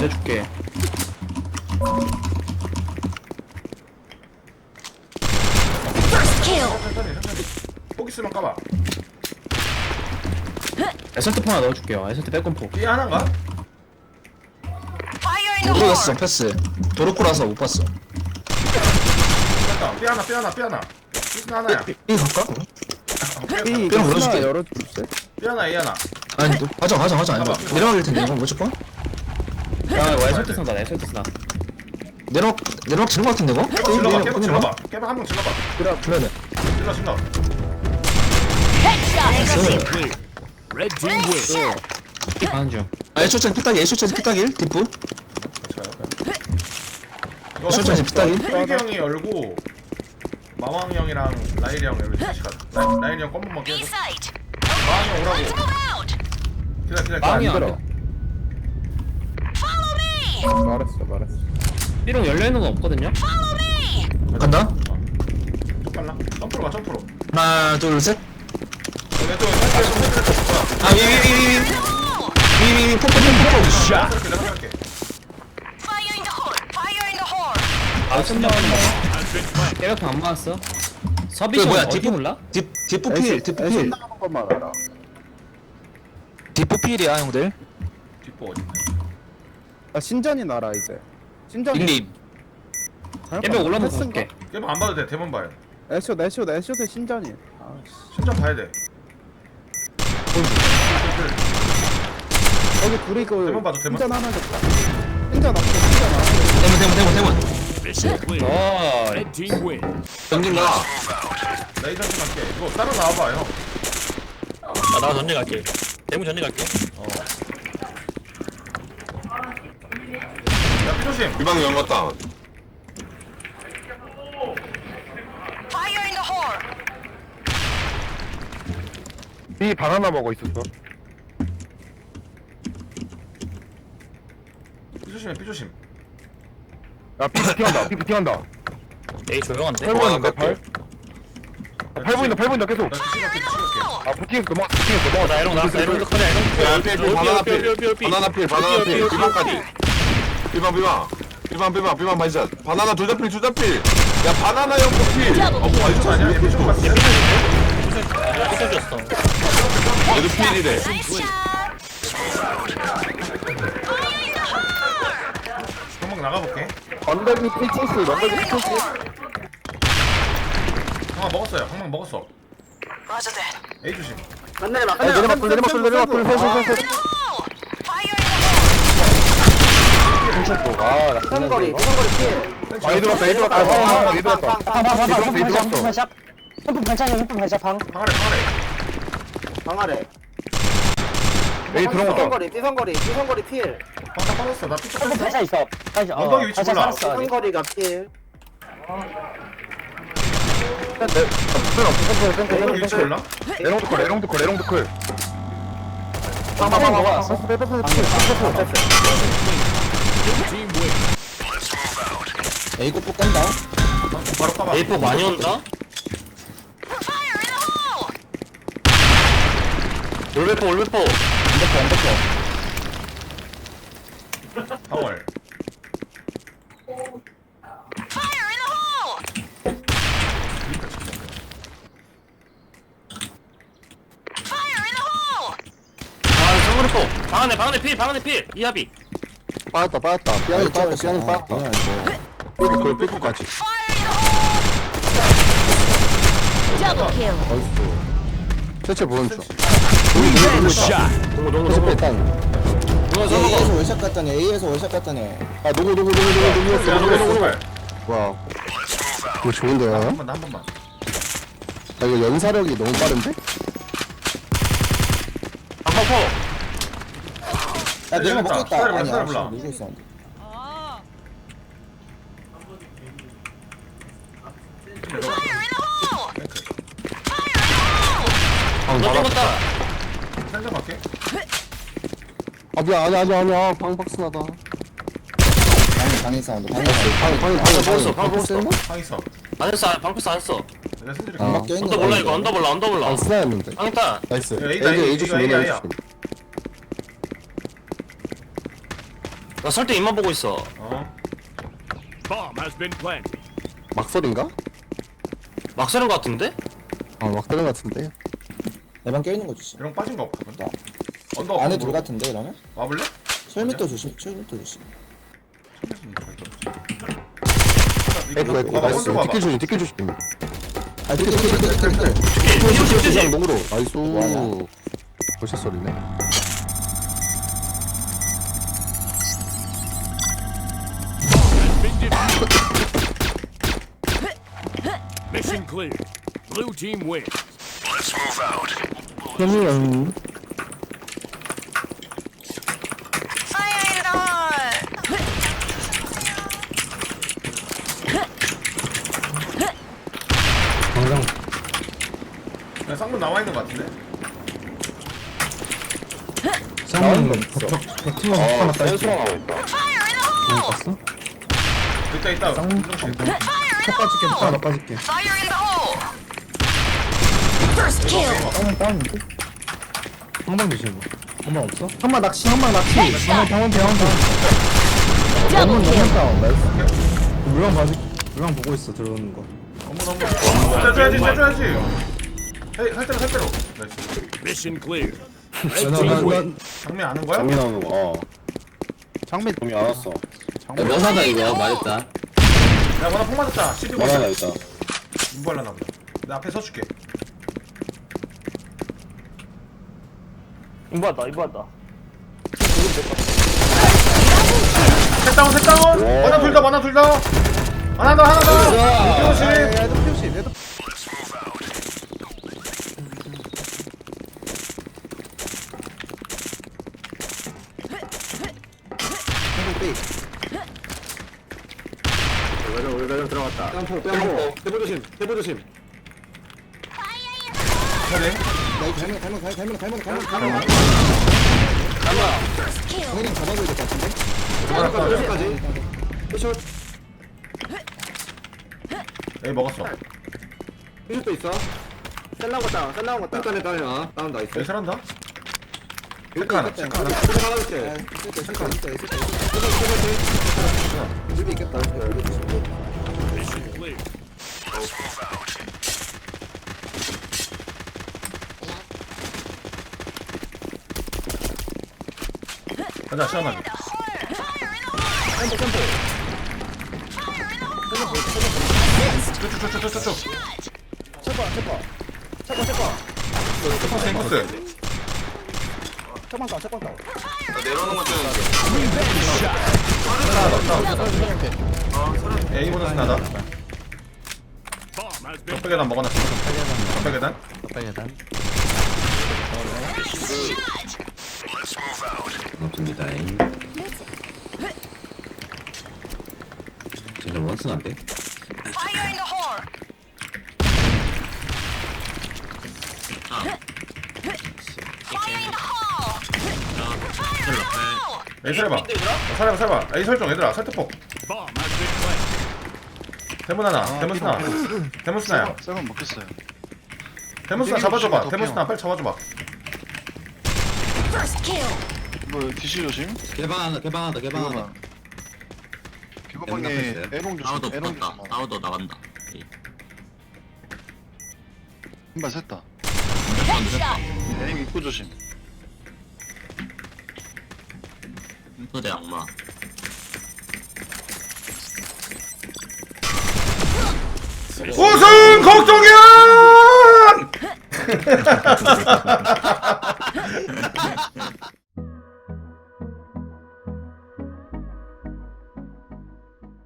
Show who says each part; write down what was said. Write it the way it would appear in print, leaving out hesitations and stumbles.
Speaker 1: 내줄게.
Speaker 2: 천천히. 포기 쓰면 까봐.
Speaker 1: 에설트 하나 넣어줄게요. 에설트 빼꼼포.
Speaker 2: B 하나인가?
Speaker 3: 모르겠어 패스 도로코라서 못 봤어.
Speaker 2: 됐다. B 하나. B 하나야.
Speaker 3: 이 갈까?
Speaker 1: 삐
Speaker 3: 삐랑 열어줄게.
Speaker 1: 열어줄게.
Speaker 2: B 하나 A 하나.
Speaker 3: 아니 또 가자 이거
Speaker 2: 가봐.
Speaker 3: 내려가길 텐데 이거 무조건
Speaker 1: 야 이거 에설트 쓴다. 에설트 쓰나.
Speaker 3: 내려막 지는 거 같은데 이거?
Speaker 2: 깨봐 질러봐. 깨봐 질러봐. 깨봐 한 명 질러봐.
Speaker 3: 불러야 돼.
Speaker 2: 질러.
Speaker 4: Red team win.
Speaker 1: 가는 중.
Speaker 3: 아 애초짜리 피딱일 뒷부
Speaker 2: 이거
Speaker 3: 애초짜리 피딱일
Speaker 2: 삐기 형이 열고 마왕 형이랑 라일이 형 열고 셋이 가자. 라일이 형 껌만 깨줘. 마왕 형 오라고. 기다려.
Speaker 1: 마왕이 안
Speaker 5: 들어. 말했어.
Speaker 1: 삐롱 열려있는 건 없거든요?
Speaker 3: 간다
Speaker 2: 좀 빨라. 점프로 가.
Speaker 3: 하나 둘셋
Speaker 2: 왼쪽.
Speaker 3: 아 위위위위위 폭
Speaker 2: 샷. 내가 할게.
Speaker 1: 아 쓴다. 깨벽통 안 맞았어.
Speaker 3: 그
Speaker 1: 서비션
Speaker 3: 뭐야
Speaker 1: 어디
Speaker 3: 뒷부
Speaker 1: 몰라?
Speaker 3: 뒷부필
Speaker 5: 나가는 것만 알아.
Speaker 3: 뒷부필이야 형들
Speaker 2: 뒷보 어디?
Speaker 5: 아 신전이 나라 이제. 신전이.
Speaker 3: 닉님
Speaker 1: 깨벽 올라오면 볼게.
Speaker 2: 깨봐 안 봐도 돼. 대본 봐요.
Speaker 5: 애쇼 신전이. 아씨.
Speaker 2: 신전 봐야 돼.
Speaker 5: 여기 둘이 그
Speaker 2: 대문 봐도 대문.
Speaker 5: 신전 하나 줬다. 신전 앞에 신전 앞에.
Speaker 3: 대문
Speaker 4: Mission clear.
Speaker 1: 어.
Speaker 4: Red team win.
Speaker 3: 형님 가
Speaker 2: 레이저 좀 할게. 이거 따로 나와봐 형.
Speaker 6: 나 전쟁 갈게. 대문 전쟁 갈게.
Speaker 2: 야 피조심.
Speaker 7: 비방 연갔다.
Speaker 5: 이 바나나 먹어 있었어.
Speaker 2: 피조심.
Speaker 5: 야 피피 튀한다.
Speaker 6: 에이 조용한데.
Speaker 7: 뭐 하나 갈게.
Speaker 5: 팔 보인다 계속.
Speaker 2: 나 시각게.
Speaker 5: 아 부팅에서 넘어.
Speaker 6: 나 이런 거 나왔어. 이런 거 커냐 이런
Speaker 7: 야, 필, 바나나 필.
Speaker 6: 삐.
Speaker 7: 바나나 필. 비방까지. 비방 반샷. 바나나 둘 다 필. 야, 바나나 형 필. 반샷
Speaker 2: 아니야? 얘 피조 봤어.
Speaker 6: 부서졌어.
Speaker 7: 얘도 필이래.
Speaker 2: 한번 나가볼게.
Speaker 5: 언덕이 피치스.
Speaker 2: 항상 먹었어요. 항상 먹었어. A 조심.
Speaker 5: 내리막 둘.
Speaker 8: 삼거리 피해.
Speaker 5: 아 얘들 왔다. 얘들 왔어.
Speaker 8: 흠프 반찬 방. 방아래.
Speaker 5: 에이 들어온 거.
Speaker 8: 삐성거리 필.
Speaker 2: 방다 빠졌어. 나 피조
Speaker 8: 흠프 반찬 있어.
Speaker 2: 언덕이 위치 몰라.
Speaker 8: 삐성거리가 필.
Speaker 2: 언덕 위치 몰라?
Speaker 5: 레롱드 콜.
Speaker 4: Team win.
Speaker 3: A고 폭 깐다
Speaker 2: 바로 까봐.
Speaker 6: 에이포 많이 온다. 올베포.
Speaker 2: 방월.
Speaker 6: 아 정글포. 방 안에 필. 이하비.
Speaker 5: 빠졌다. 삐안이 빠졌다. 삐꾸까지. 대체 뭔 줄?
Speaker 4: Shot.
Speaker 5: 동고 일단.
Speaker 3: A에서 월샷 갔다네 A에서 월샷 갔다네
Speaker 5: 아 누구.
Speaker 2: 야,
Speaker 5: 와. 이거 좋은데요?
Speaker 2: 한 번만.
Speaker 5: 아 이거 연사력이 너무 빠른데?
Speaker 6: 방방포.
Speaker 3: 야 내가 먹고 있다
Speaker 2: 기다려봐,
Speaker 3: 아니야
Speaker 2: 기다려봐.
Speaker 3: 밀고 있어
Speaker 6: 너 죽었다.
Speaker 2: 생각 갈게.
Speaker 5: 아 미안 아니야 방박스 나다.
Speaker 3: 방에 사운드 방에
Speaker 6: 먹었어. 방 먹었어.
Speaker 2: 방있어.
Speaker 6: 안 했어. 방패스 안 했어.
Speaker 2: 내가 손들이
Speaker 5: 어.
Speaker 3: 막 껴있는
Speaker 6: 언더 몰라 이거. 언더 몰라.
Speaker 5: 방스나였는데.
Speaker 6: 방했다.
Speaker 5: 나이스.
Speaker 2: 야, A다, A,
Speaker 5: A 조심
Speaker 2: A야,
Speaker 5: A
Speaker 2: A야.
Speaker 5: 조심.
Speaker 6: 나 설때 입만 보고 있어.
Speaker 4: Bomb has been planted.
Speaker 5: 막설인가?
Speaker 6: 막 쓰는 거 같은데?
Speaker 5: 막설인 같은데.
Speaker 3: 내방 껴있는 거 조심.
Speaker 2: 이런 거 빠진 거 없거든. 언더
Speaker 3: 안에 둘 같은데 이러면?
Speaker 2: 와볼래?
Speaker 3: 철밑도 조심. 철밑도 조심.
Speaker 5: 에이구 에이구
Speaker 2: 봐봐,
Speaker 5: 나이스.
Speaker 2: 먼저 봐봐.
Speaker 5: 뒷길 조심 뒷길 조심.
Speaker 3: 아 띠끼.
Speaker 5: 그냥 농으로 나이스.
Speaker 3: 뭐하냐?
Speaker 5: 벌써 소리네.
Speaker 4: Been defeated. Mission clear. Blue team wins.
Speaker 2: 그냥 쌍문 나와 있는 거 같은데.
Speaker 3: 나오는 거 없어.
Speaker 2: 있다.
Speaker 3: 첫 빠질게. 하나 빠질게. 한방 조심. 한방 없어? 한방 낚시. 한방 병원. 물방 봐줄. 물방 보고 있어 들어오는 거.
Speaker 2: 째줘야지. 살 대로. 나이스.
Speaker 4: Mission clear. Red team wins.
Speaker 2: 장미 아는 거야?
Speaker 5: 장미 나오는 거. 장미 동이 안 왔어.
Speaker 1: 면사다 이거 말했다.
Speaker 2: 야, 뭐나 폭 맞았다. 12번.
Speaker 5: 뭐라나 일단.
Speaker 2: 인발라나 보다. 내 앞에 서줄게.
Speaker 8: 이거다.
Speaker 2: 셋 다운. 하나 둘 더. 하나 더. 조심.
Speaker 5: 대보 조심.
Speaker 2: 그래.
Speaker 3: 갈면. 형님 잡아줘야 될 것 같은데?
Speaker 2: 에이 먹었어.
Speaker 5: 피슛도 있어.
Speaker 8: 셀 나온 거
Speaker 5: 일단에 다운 나이스.
Speaker 2: 에이 잘한다. 체크 하나.
Speaker 5: 하나 줄게.
Speaker 3: 집이 있겠다.
Speaker 4: Mission clear.
Speaker 2: 가자 시원하게. 쭉. 탱커스.
Speaker 7: 내려오는 거 뜨는
Speaker 2: A 보너스 나다.
Speaker 4: Bomb has been
Speaker 2: 적배 계단 먹어놨어. 적배 계단.
Speaker 1: 고맙습니다. 진짜 원슨 안 돼?
Speaker 2: A 설해봐. 설해봐. A 설정 얘들아. 설득폭.
Speaker 4: bomb has been planted.
Speaker 2: 대문 하나. 대문 스나야.
Speaker 9: 썰은 먹겠어요.
Speaker 2: 대문 스나 잡아줘봐. 대문 스나 빨리 잡아줘봐.
Speaker 9: 이거 뒤시 조심.
Speaker 1: 개방한다.
Speaker 9: 개방방. 개방방에 에롱 조심. 에롱 조심.
Speaker 1: 아우도 나간다.
Speaker 9: 한발 샜다. 에롱 입구 조심.
Speaker 1: 소대 악마.
Speaker 2: 우승 걱정이야!